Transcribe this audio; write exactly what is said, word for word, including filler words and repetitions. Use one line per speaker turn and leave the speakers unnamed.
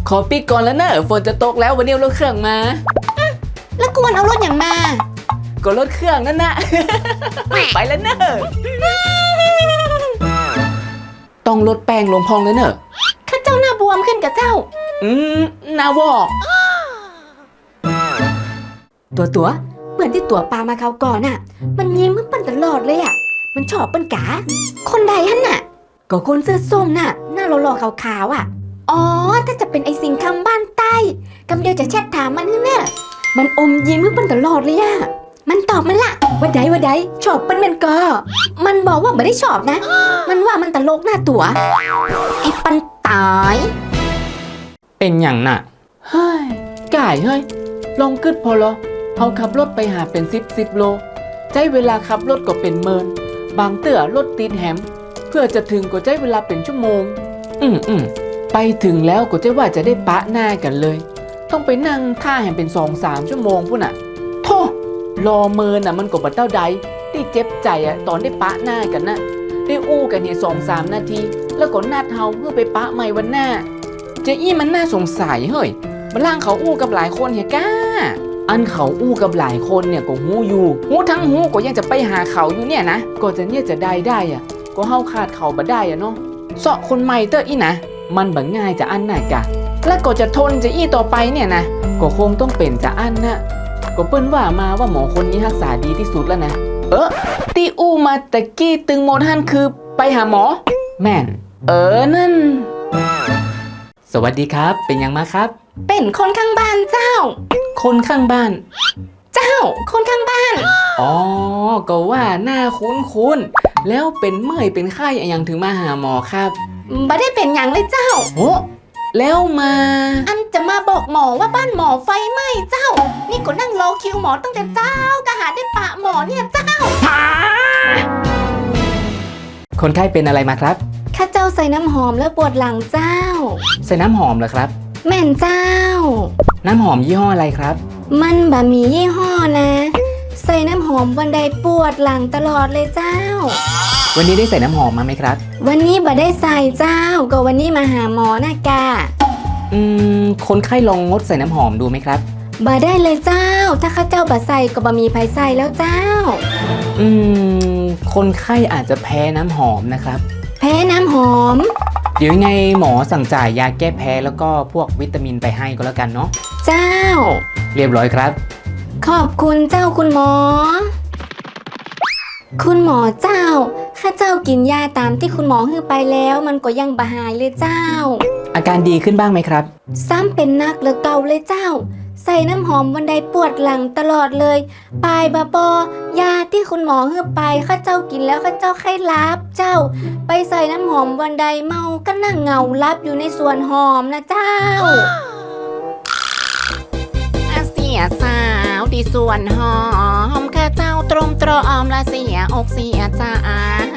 ขอปิดก่อนแล้วเนอะฝนจะตกแล้ววันนี้รถเครื่องมา
แล้วกวนเอารถอย่างมา
ก็รถเครื่องนั่นนะ ไปแล้วเนอะต้องลดแป้งลงพองเลยเนอะ
ข้าเจ้าหน้าบวมขึ้นกับเจ้า
อืมหน้าวอก
ตัวตัวเหมือนที่ตัวปลามาเขาก่อนน่ะมันยิ้มมึงปั้นตลอดเลยอ่ะมันชอบปั้นกาคนใดฮั่นน่ะก็คนเสื้อส้มน่ะหน้าหล่อๆขาวๆอ่ะอ๋อถ้าจะเป็นไอสิงคำบ้านใต้กำเดียวจะแชทถามมันนี่แน่มันอมยิ้มมึงปั้นตลอดเลยอ่ะมันตอบมันละว่าใดว่าใดชอบปั้นมันก็มันบอกว่าไม่ได้ชอบนะมันว่ามันตลกหน้าตัวไอ้ปั้นตาย
เป็นอย่างน่ะเฮ้ยก่ายเฮ้ยลองกึดพอเหรอเอาขับรถไปหาเป็นสิบสิบโลใช้เวลาขับรถก็เป็นเมินบางเตื้อรถติดแหมเพื่อจะถึงก็ใช้เวลาเป็นชั่วโมงอืมอืมไปถึงแล้วก็จะว่าจะได้ปะหน้ากันเลยต้องไปนั่งท่าแหมเป็นสองสามชั่วโมงพุ่นน่ะโธ่รอเมินน่ะมันก็บัดเต้าใดที่เจ็บใจอะตอนได้ปะหน้ากันนะได้อู้กันเนี่ยสองสามนาทีแล้วก็นัดเฮาเพื่อไปปะใหม่วันหน้าเจ๊อี้มันน่าสงสัยเฮ้ยมันล่างเขาอู้กับหลายคนเฮียก้าอันเขาอู้กับหลายคนเนี่ยก็หู้อยู่หู้ทั้งหู้ก็ยังจะไปหาเขาอยู่เนี่ยนะก็จะเนี่ยจะได้ได้อะก็เฮาขาดเขาบ่ได้อะเนาะเสาะคนใหม่เตออีนะมันบังง่ายจะอันน่ะกะแล้วก็จะทนจะอี้ต่อไปเนี่ยนะก็คงต้องเป็นจะอันนะก็เปิ้นว่ามาว่าหมอคนนี้รักษาดีที่สุดแล้วนะเออที่อู้มาตะกี้ตึงโมท่านคือไปหาหมอแม่นเออนั่นสวัสดีครับเป็นยังมาครับ
เป็นคนข้างบ้านเจ้า
คนข้างบ้าน
เจ้าคนข้างบ้าน
อ๋อก็ว่าหน้าคุ้นๆแล้วเป็นเมื่อยเป็นไข้อย่างถึงมาหาหมอครับ
บ่ได้เป็นอย่างเลยเจ้า
โอ้แล้วมา
อันจะมาบอกหมอว่าบ้านหมอไฟไหม้เจ้านี่ก็นั่งรอคิวหมอตั้งแต่เจ้ากะหาได้ปะหมอเนี่ยเจ้า
คนไข้เป็นอะไรมาครับ
ข้าเจ้าใส่น้ำหอมแล้วปวดหลังเจ้า
ใส่น้ำหอมเหรอครับ
แม่นเจ้า
น้ำหอมยี่ห้ออะไรครับ
มันบะมียี่ห้อนะใส่น้ำหอมวันใดปวดหลังตลอดเลยเจ้า
วันนี้ได้ใส่น้ำหอมมาไหมครับ
วันนี้บ่ได้ใส่เจ้าก็วันนี้มาหาหมอนะกะ
อืมคนไข้ลองงดใส่น้ำหอมดูไหมครับ
บ่ได้เลยเจ้าถ้าข้าเจ้าบ่ใส่ก็บ่มีไผใส่แล้วเจ้า
อืมคนไข้อาจจะแพ้น้ำหอมนะครับ
แพ้น้ำหอม
เดี๋ยวยังไงหมอสั่งจ่ายยาแก้แพ้แล้วก็พวกวิตามินไปให้ก็แล้วกันเนาะ
เจ้า
เรียบร้อยครับ
ขอบคุณเจ้าคุณหมอคุณหมอเจ้าข้าเจ้ากินยาตามที่คุณหมอให้ไปแล้วมันก็ยังบ่หายเลยเจ้า
อาการดีขึ้นบ้างไหมครับ
ซ้ำเป็นนักหรือเก่าเลยเจ้าใส่น้ำหอมวันใดปวดหลังตลอดเลยปลายบะปอยาที่คุณหมอให้ไปข้าเจ้ากินแล้วข้าเจ้าไข้ลับเจ้าไปใส่น้ำหอมวันใดเมาก็นั่งเหงาลับอยู่ในสวนหอมนะเจ้า
อาเสียสาวที่สวนหอมข้าเจ้าตรมตรอมละเสียอกเสียใจ